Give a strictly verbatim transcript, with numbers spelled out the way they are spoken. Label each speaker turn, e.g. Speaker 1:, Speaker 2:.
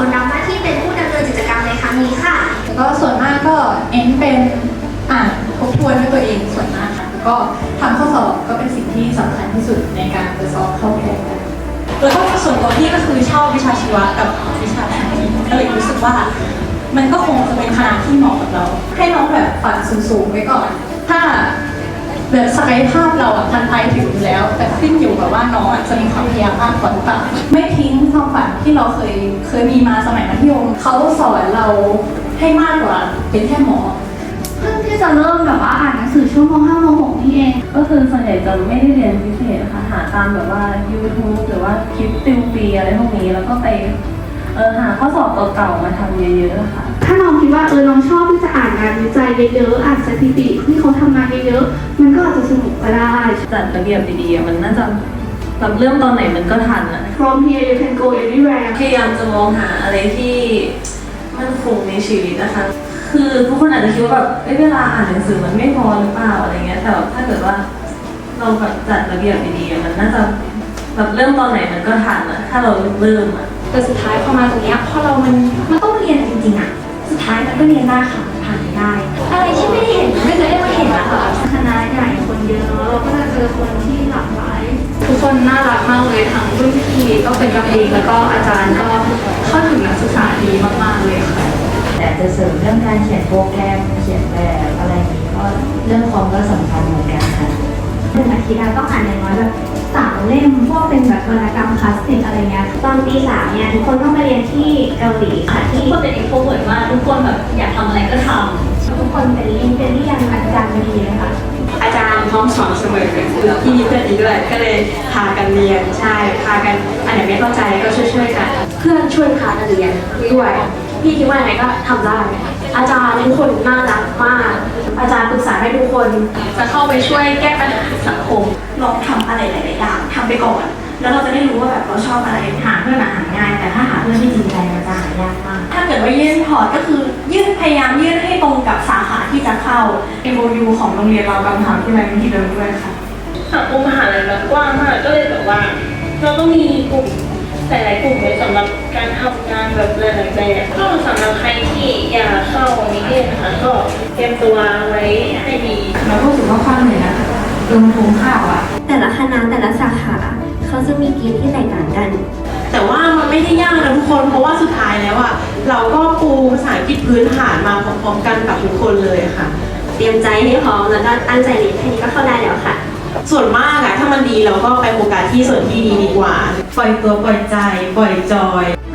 Speaker 1: คนรับหน้าที่เป็นผู้ดำเนินกิจกรรมในครั้งนี้ค่ะ
Speaker 2: ก็ส่วนมากก็เน้นเป็นอ่านทบทวนด้วยตัวเองส่วนมากค่ะแล้วก็ทำข้อสอบก็เป็นสิ่งที่สำคัญที่สุดในการจะสอบเข้าแพทย์
Speaker 3: แล้วก็ส่วนตัวพี่ก็คือชอบวิชาชีวะกับวิชาแพทย์ก็เลยรู้สึกว่ามันก็คงจะเป็นคณะที่เหมาะกับเรา
Speaker 2: ให้น้องแบบฝันสูงๆไว้ก่อนถ้าแบบศักยภาพเราอ่ะมันไปถึงอยู่แล้วแต่ขึ้นอยู่กับว่าน้องอ่ะจะมีความพยายามมากกว่าหรือเปล่าไม่ทิ้งความฝันที่เราเคยเคยมีมาสมัยมัธยมเขาสอนเราให้มากกว่าเป็นแค่หมอ
Speaker 1: เพิ่งที่จะเริ่มแบบว่าอ่านหนังสือช่วงม ห้า ม หก นี่เอง
Speaker 4: ก็คือส่วนใหญ่จะไม่ได้เรียนพิเศษนะคะหาตามแบบว่า YouTube หรือว่าคลิปติวฟรีอะไรพวกนี้แล้วก็ไปเออหาข้อสอบเก่าๆมาทำเยอะๆค่ะ
Speaker 1: ถ้าน้องคิดว่าเออน้องชอบที่จะอ่านงานวิจัยเยอะๆอ่านสถิติที่เขาทำมาเยอะๆมันก็อาจจะสนุกก็ได้
Speaker 4: จัดระเบียบดีๆมันน่าจะแบบเริ่มตอนไหนมันก็ทันอะ
Speaker 1: From here you can go anywhere
Speaker 4: พยายามจะมองหาอะไรที่มั่นคงในชีวิตนะคะคือทุกคนอาจจะคิดว่าแบบเวลาอ่านหนังสือมันไม่พอหรือเปล่าอะไรเงี้ยแต่ถ้าเกิดว่าเราแบบจัดระเบียบดีๆมันน่าจะแบบเริ่มตอนไหนมันก็ทันอะถ้าเราเริ่มอะ
Speaker 5: แต่สุดท้ายพอมาตรงนี้พอเรามันมันต้องเรียนจริงๆอะสุดท้ายมันก็เรียนได้ค่ะผ่านได้อะไรที่ไม่ได้เห็นไม่เคยได้มาเห็นนะคะ
Speaker 1: คณะใหญ่คนเยอะเราก็จะเจอคนที่หลากหลาย
Speaker 5: ทุกคนน่ารักมากเลยทั้งรุ่นพี่ก็เป็นกันเองแล้วก็อาจารย์ก็เข้าถึงนักศึกษาดีมากๆเลยค่ะ
Speaker 6: แต่จะเสริมเรื่องการเขียนโปรแกรมเขียนแบบอะไรอย่างนี้ก็เรื่องคอมก็สำคัญเหมือนกันค่ะ
Speaker 1: หนึ่งอาทิตย์เราต้องอ่านอย่างน้อยแบบสามเล่มพวกเป็นแบบวรรณกรรมคลาสสิกอะไรเงี้ยตอนปีสามเนี่ยทุกคนต้องไปเรียนที่เกาหลีค่ะที่
Speaker 5: ทุกคนเป็นเอ็กโทรเวิร์ตมากทุกคนแบบอยากทำอะไรก็ท
Speaker 1: ำทุกคนเป็นลิงเป็นเรียนอาจารย์ดีเลยค่ะ
Speaker 7: อาจารย์พร้อมสอนเสมอคือที่มีเพื่อนอีกด้วยก็เลยพากันเรียนใช่พากันอันไหนไม่เข้าใจก็ช่วยๆกันเพื่อนช่วยพากันเรียนด้วยพี่คิดว่าอะไรก็ทำได้อาจารย์ทุกคนน่ารักมากอาจารย์ปรึกษาให้ทุกคนจะเข้าไปช่วยแก้ปัญหาสังคมลองทำอะไรหลายๆอย่างทำไปก่อนแล้วเราจะได้รู้ว่าแบบเราชอบอะไรหาเพื่อนหาง่ายแต่ถ้าหาเพื่อนที่จริงใจมันจะหายากมากถ้าเกิดว่ายื่นพอร์ตก็คือยื่นพยายามยื่นให้ตรงกับสาขาที่จะเข้า เอ็ม โอ ยู ของโรงเรียนเรากำลังทำที่ไรที่เดิมด้วยค่ะ
Speaker 5: ำสังคมมหาลัยมันกว้างมากก็เลยแบบว่าเราต้องมีกลุ่มหลายๆกลุ่มไว้สำหรับการทำงานแบบหลายๆแบบก็สำหรับใครที่อยากเข้านิเทศนะคะก็เตรียมตัวไว้ให้ดี
Speaker 7: เราก็รู้สึกว่าความเหนื่อยนะลงทุนข้าวอ่ะ
Speaker 1: แต่ละคณะแต่ละสาขาเขาจะมีเกณฑ์ที่แตกต่างกัน
Speaker 7: แต่ว่ามันไม่ได้ยากนะทุกคนเพราะว่าสุดท้ายแล้วอ่ะเราก็ปูภาษาอังกฤษพื้นฐานมาพร้อมๆกันกับทุกคนเลยค่ะ
Speaker 1: เตรียมใจให้พร้อมแล้วก็ตั้งใจเรียนแค่นี้ก็เข้าได้แล้วค่ะ
Speaker 7: ส่วนมากอะถ้ามันดีเราก็ไปโฟกัสที่ส่วนที่ดีดีกว่าปล่อยตัวปล่อยใจปล่อยจอย